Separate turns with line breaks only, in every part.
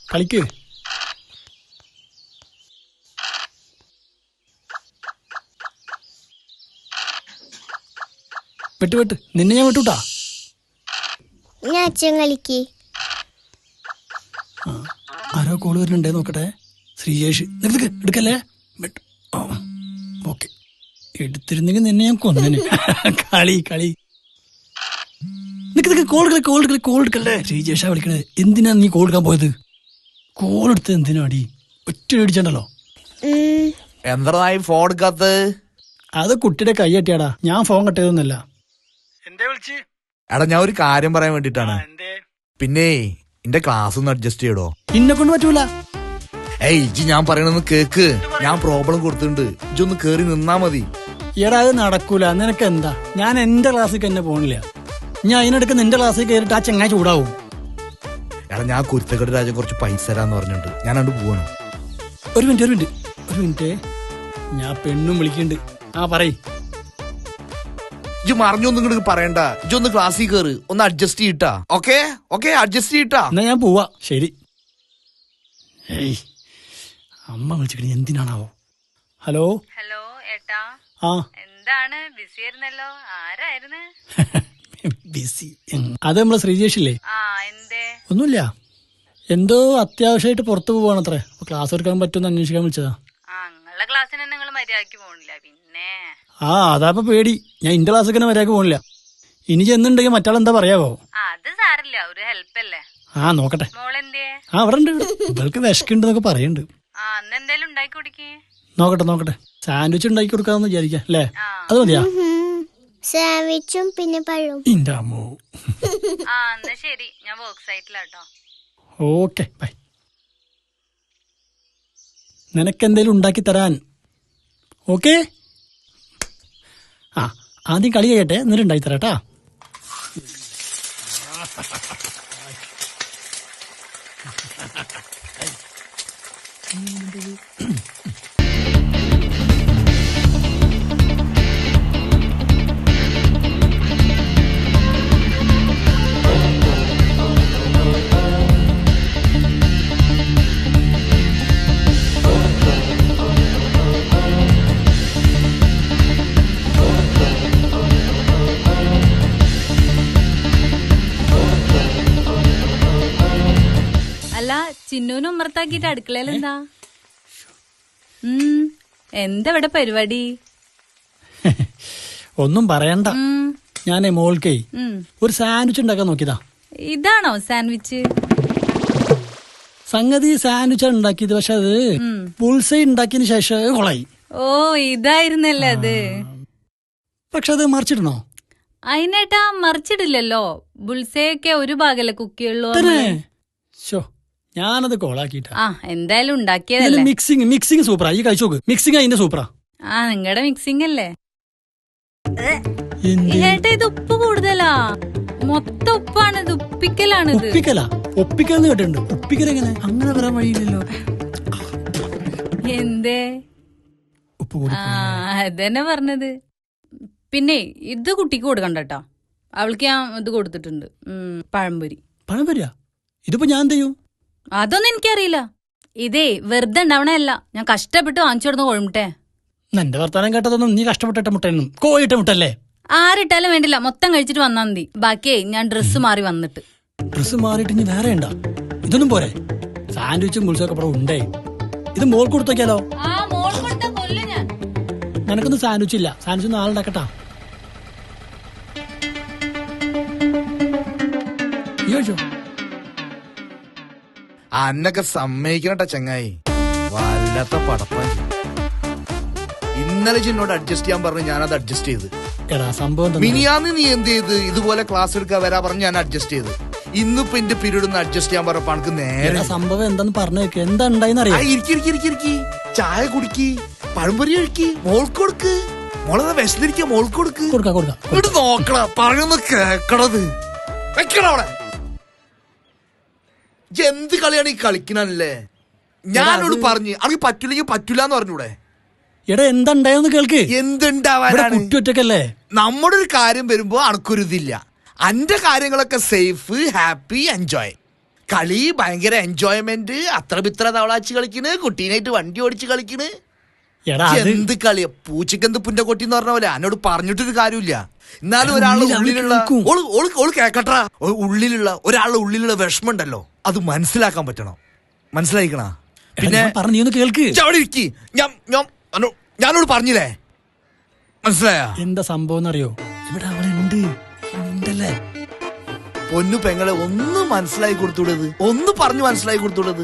കളിക്ക്. വെട്ട് നിന്നെ ഞാൻ വിട്ടുട്ടാ.
ഞാൻ അച്ഛൻ കളിക്ക്.
ആരോ കോള് വരുന്നുണ്ടേ നോക്കട്ടെ. ശ്രീജേഷ് എടുക്കല്ലേ. ഓക്കെ, എടുത്തിരുന്നെങ്കിൽ നിന്നെ ഞാൻ കൊന്നേനെ. കളി കളി കോൾ എടുക്കല്ലേ. ശ്രീജേഷാ വിളിക്കണേ. എന്തിനാ നീ കോൾ എടുക്കാൻ പോയത്? കോൾ എടുത്ത് എന്തിനാടി? ഒറ്റ അടിച്ചണ്ടല്ലോ.
എന്തായി ഫോൺ എടുക്കാത്ത?
അത് കുട്ടിയുടെ കൈ കെട്ടിയാടാ, ഞാൻ ഫോൺ കെട്ടിയതൊന്നല്ല.
എടാ ഞാൻ ഒരു കാര്യം പറയാൻ വേണ്ടിട്ടാണ്. പിന്നെ എന്റെ ക്ലാസ് ഒന്ന് അഡ്ജസ്റ്റ് ചെയ്യടോ.
ഇന്നെ കൊണ്ട് പറ്റൂല.
ഏയ് ഇജ്ജ് ഞാൻ പറയണെന്ന് കേക്ക്. ഞാൻ പ്രോബ്ലം കൊടുത്തിട്ടുണ്ട്, ഇജ്ജൊന്ന് കേറി നിന്നാ മതി.
എടാ അത് നടക്കൂല. നിനക്ക് എന്താ? ഞാൻ എന്റെ ക്ലാസ്സിൽ തന്നെ പോണില്ല. ഞാൻ അതിനിടയ്ക്ക് നിന്റെ ക്ലാസ്സിൽ കയറിയിട്ട് ആ ചെങ്ങായി ചൂടാവും.
എടാ ഞാൻ കുരുത്തക്കട രാജ കുറച്ച് പൈസ തരാന്ന് പറഞ്ഞിട്ടുണ്ട്. ഞാൻ അങ്ങോട്ട് പോവാണ്.
ഒരു മിനിറ്റ്. ഞാൻ പെണ്ണും വിളിക്കുന്നുണ്ട്. ആ പറയ്.
ഇജ്ജ് മറിഞ്ഞൊന്നും ഇങ്ങോട്ട് പറയണ്ട. ഇജ്ജൊന്ന് ക്ലാസ്സിൽ കയറി ഒന്ന് അഡ്ജസ്റ്റ് ചെയ്യട്ടാ. ഓക്കെ അഡ്ജസ്റ്റ് ചെയ്യട്ടാ.
എന്നാ ഞാൻ പോവാ. ശരി. ഏയ് അമ്മ വിളിച്ചിട്ട് എന്തിനാണാവോ? ഹലോ
ഏട്ടാ.
ആ
എന്താണ് ബിസി ആയിരുന്നല്ലോ? ആരായിരുന്നു?
ബിസി? അത് നമ്മളെ ശ്രീജേഷില്ലേ?
എന്തേ?
ഒന്നുമില്ല, എന്തോ അത്യാവശ്യമായിട്ട് പുറത്തു പോവാണത്രേ. ക്ലാസ് എടുക്കാൻ പറ്റുമെന്ന് അന്വേഷിക്കാൻ വിളിച്ചതാ.
നിങ്ങളുടെ ക്ലാസ്സിന് നിങ്ങൾ മര്യാദക്ക് പോണില്ല പിന്നെ?
അതാപ്പ പേടി. ഞാൻ ഇന്റെ ക്ലാസ്സൊക്കെ മര്യാദക്ക് പോണില്ല. ഇനി ചെന്നുണ്ടെങ്കിൽ മറ്റാളെന്താ പറയാവോ?
അത് സാരില്ല, ഒരു ഹെൽപ്പ് അല്ലേ.
നോക്കട്ടെ.
മോളെന്തേ?
അവിടെ ഉണ്ട്. ഇവൾക്ക് വിശക്കുണ്ടെന്നൊക്കെ പറയുന്നുണ്ട്.
എന്തേലും ഉണ്ടാക്കി കുടിക്കേ.
നോക്കട്ടെ. സാൻഡ്വിച്ച് ഉണ്ടാക്കി കൊടുക്കാന്ന് വിചാരിക്കാം അല്ലേ? അത് മതിയാ?
സാൻഡ്വിച്ചും പിന്നെ പഴവും.
ഇന്റെ അമ്മോ.
എന്നാ ശരി, ഞാൻ വർക്ക് സൈറ്റിലാട്ടോ.
Okay bye. നിനക്കെന്തേലും ഉണ്ടാക്കി തരാൻ. ഓക്കെ. ആദ്യം കളി കഴിയട്ടെ, എന്നിട്ട് ഉണ്ടാക്കി തരാട്ടാ.
അല്ല, ചിന്നൂനും ഉമ്മർത്താക്കിട്ട് അടുക്കളയിലെന്താ? എന്താ ഇവിടെ പരിപാടി?
ഒന്നും പറയണ്ട. ഞാനേ മോൾക്കേ ഒരു സാൻഡ്വിച്ച് ഉണ്ടാക്കാൻ നോക്കിയതാ.
ഇതാണോ സാൻഡ്വിച്ച്?
സംഗതി സാൻഡ്വിച്ചാണ് ഉണ്ടാക്കിയത്, പക്ഷെ അത് പുൾസൈ ഉണ്ടാക്കിയതിന് ശേഷം കൊളായി.
ഇതായിരുന്നല്ലേ അത്.
പക്ഷെ അത് മറിച്ചിടണോ?
അതിനേട്ടാ മറിച്ചിടില്ലല്ലോ. ബുൾസയൊക്കെ ഒരു ഭാഗല്ലേ കുക്ക് ചെയ്യുള്ളൂ.
ഞാനത് കോളാക്കിട്ടാ.
എന്തായാലും ഉണ്ടാക്കിയതല്ലേ.
മിക്സിങ് സൂപ്പറാ. ഈ കഴിച്ചു നോക്ക്. മിക്സിങ് അതിന്റെ സൂപ്പറാ.
നിങ്ങളുടെ മിക്സിംഗ് അല്ലേ. ഏട്ടാ ഇത് ഉപ്പ് കൂടുതലാ. മൊത്തം ഉപ്പാണ്. ഇത് ഉപ്പിക്കലാണിത്.
ഒപ്പിക്കലെന്ന് കേട്ടിട്ടുണ്ട്. ഉപ്പിക്കൽ എങ്ങനെ? അങ്ങനെ വരാൻ വഴിയില്ലല്ലോ.
എന്തേ? അതന്നെ പറഞ്ഞത്. പിന്നെ ഇത് കുട്ടിക്ക് കൊടുക്കണ്ട കേട്ടോ. അവൾക്ക് ഞാൻ ഇത് കൊടുത്തിട്ടുണ്ട്, പഴംപൊരിയാ.
ഇതിപ്പോ ഞാൻ എന്ത് ചെയ്യും?
അതൊന്നും എനിക്കറിയില്ല. ഇതേ വെറുതെ ഉണ്ടാവണല്ല, ഞാൻ കഷ്ടപ്പെട്ട് വാങ്ങിച്ചു കൊടുന്ന കോഴിമുട്ടേ.
എന്റെ വർത്താനം കേട്ടതൊന്നും നീ കഷ്ടപ്പെട്ടിട്ട മുട്ടയൊന്നും കോഴിട്ട മുട്ടല്ലേ?
ആരിട്ടാലും വേണ്ടില്ല, മൊത്തം കഴിച്ചിട്ട് വന്നാ മതി. ബാക്കിയേ ഞാൻ ഡ്രസ്സ് മാറി വന്നിട്ട്.
ഡ്രസ്സ് മാറിയിട്ട് ഇനി വേറെ ഉണ്ടോ? ഇതൊന്നും പോരെ? സാൻഡ്വിച്ചും ഗുൾസൊക്കെ ഇവിടെ ഉണ്ടേ. ഇത് മോൾ കൊടുത്തോക്കിയാലോ? നിനക്കൊന്നും സാൻഡ്വിച്ച് ഇല്ല. സാൻഡ്വിച്ച് നാളെ ഉണ്ടാക്കട്ടാ.
അന്നൊക്കെ സമ്മതിക്കണട്ടാ ചങ്ങായി. വല്ലാത്ത പടപ്പാൻ. ഇന്നലെ എന്നോട് അഡ്ജസ്റ്റ് ചെയ്യാൻ പറഞ്ഞു, ഞാനത് അഡ്ജസ്റ്റ് ചെയ്ത്. മിനിയാന്ന് നീ എന്ത് ചെയ്ത്? ഇതുപോലെ ക്ലാസ് എടുക്കാൻ വരാ പറഞ്ഞു, ഞാൻ അഡ്ജസ്റ്റ് ചെയ്ത്. ഇന്നിപ്പോ എന്റെ പീരീഡ് ഒന്ന് അഡ്ജസ്റ്റ് ചെയ്യാൻ പറഞ്ഞപ്പോ എനിക്ക് നേരെ
സംഭവം എന്താന്ന് പറഞ്ഞേക്ക്. എന്താ ഉണ്ടായി?
ചായ കുടിക്ക്, പഴംപൊരി കഴിക്ക്, മോൾക്ക് കൊടുക്ക്. മോളെ വിശന്നിരിക്ക, മോൾക്ക് കൊടുക്ക്. ഇങ്ങോട്ട് നോക്കണ പറയുന്ന കേക്കണത്. വെക്കണവിടെ. എന്ത് കളിയാണ് ഈ കളിക്കണല്ലേ? ഞാനോട് പറഞ്ഞു അനക്ക് പറ്റൂലെങ്കിൽ പറ്റൂലെന്ന് പറഞ്ഞൂടെ?
എടാ എന്താണ്ടായെന്ന് കേൾക്ക്.
എന്തുണ്ടാവാനാണ്?
കുറ്റൊറ്റക്കല്ലേ.
നമ്മുടെ ഒരു കാര്യം വരുമ്പോ അനക്കൊരു ഇതില്ല. അന്റെ കാര്യങ്ങളൊക്കെ സേഫ്, ഹാപ്പി, എൻജോയ്. കളി ഭയങ്കര എൻജോയ്മെന്റ്, അത്ര പിത്ര തവളാച്ച് കളിക്കണ്, കുട്ടീനായിട്ട് വണ്ടി ഓടിച്ച് കളിക്കണ്.
എടാ അത്
എന്ത് കളിയാ, പൂച്ചക്ക് എന്ത് പുന്റെ കൊട്ടി എന്ന് പറഞ്ഞ പോലെ എന്നോട് പറഞ്ഞിട്ടൊരു കാര്യമില്ല. എന്നാലും ഒരാളുടെ ഉള്ളിലുള്ള ഓള് കേക്കട്ടാ, ഉള്ളിലുള്ള ഒരാളുടെ ഉള്ളിലുള്ള വിഷമം ഉണ്ടല്ലോ, അത് മനസ്സിലാക്കാൻ പറ്റണം. മനസ്സിലായിക്കണ? പിന്നെ
പറഞ്ഞു, നീ ഒന്ന് കേൾക്ക്.
അവിടെ ഇരിക്കി, ഞാനോട് പറഞ്ഞില്ലേ, മനസ്സിലായ?
എന്താ സംഭവം എന്നറിയോ? ഇവിടെ അവളുണ്ട് ഉണ്ടല്ലേ.
പൊന്നു പെങ്ങളെ ഒന്ന് മനസ്സിലാക്കി കൊടുത്തൂടത്, ഒന്ന് പറഞ്ഞു മനസ്സിലാക്കി കൊടുത്തൂടത്.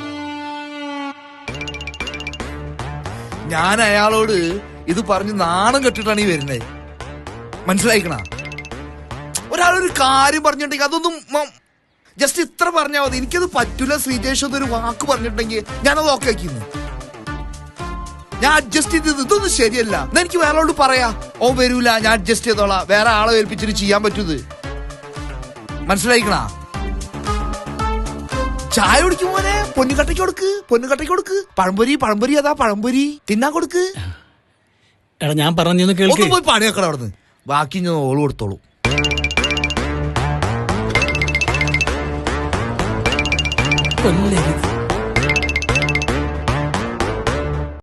ഞാൻ അയാളോട് ഇത് പറഞ്ഞ് നാണം കെട്ടിട്ടാണ് ഈ വരുന്നത്. മനസ്സിലായിക്കണ? ഒരാളൊരു കാര്യം പറഞ്ഞിട്ടുണ്ടെങ്കിൽ അതൊന്നും ജസ്റ്റ് ഇത്ര പറഞ്ഞാൽ മതി. എനിക്കത് പറ്റൂല ശ്രീജേഷ് എന്നൊരു വാക്ക് പറഞ്ഞിട്ടുണ്ടെങ്കിൽ ഞാനത് ഓക്കെ ആക്കിന്ന്, ഞാൻ അഡ്ജസ്റ്റ് ചെയ്തത്. ഇതൊന്നും ശരിയല്ല. എന്നാ എനിക്ക് വേറെ ആളോട് പറയാ, ഓ വരൂല, ഞാൻ അഡ്ജസ്റ്റ് ചെയ്തോളാം, വേറെ ആളെ ഏൽപ്പിച്ചിട്ട് ചെയ്യാൻ പറ്റൂത്. മനസ്സിലായിക്കണ? ചായ കുടിക്കും പോലെ പൊന്നുകട്ടയ്ക്ക് കൊടുക്ക്, പൊന്നുകട്ടയ്ക്ക് കൊടുക്ക്. പഴംപൊരി അതാ പഴംപൊരി തിന്നാൻ കൊടുക്ക്.
എടാ ഞാൻ പറഞ്ഞു കേൾക്ക്.
പോയി പണി വെക്കണം അവിടുന്ന്, ബാക്കി ഞാൻ ഓള് കൊടുത്തോളൂ.
കൊല്ലരുത്.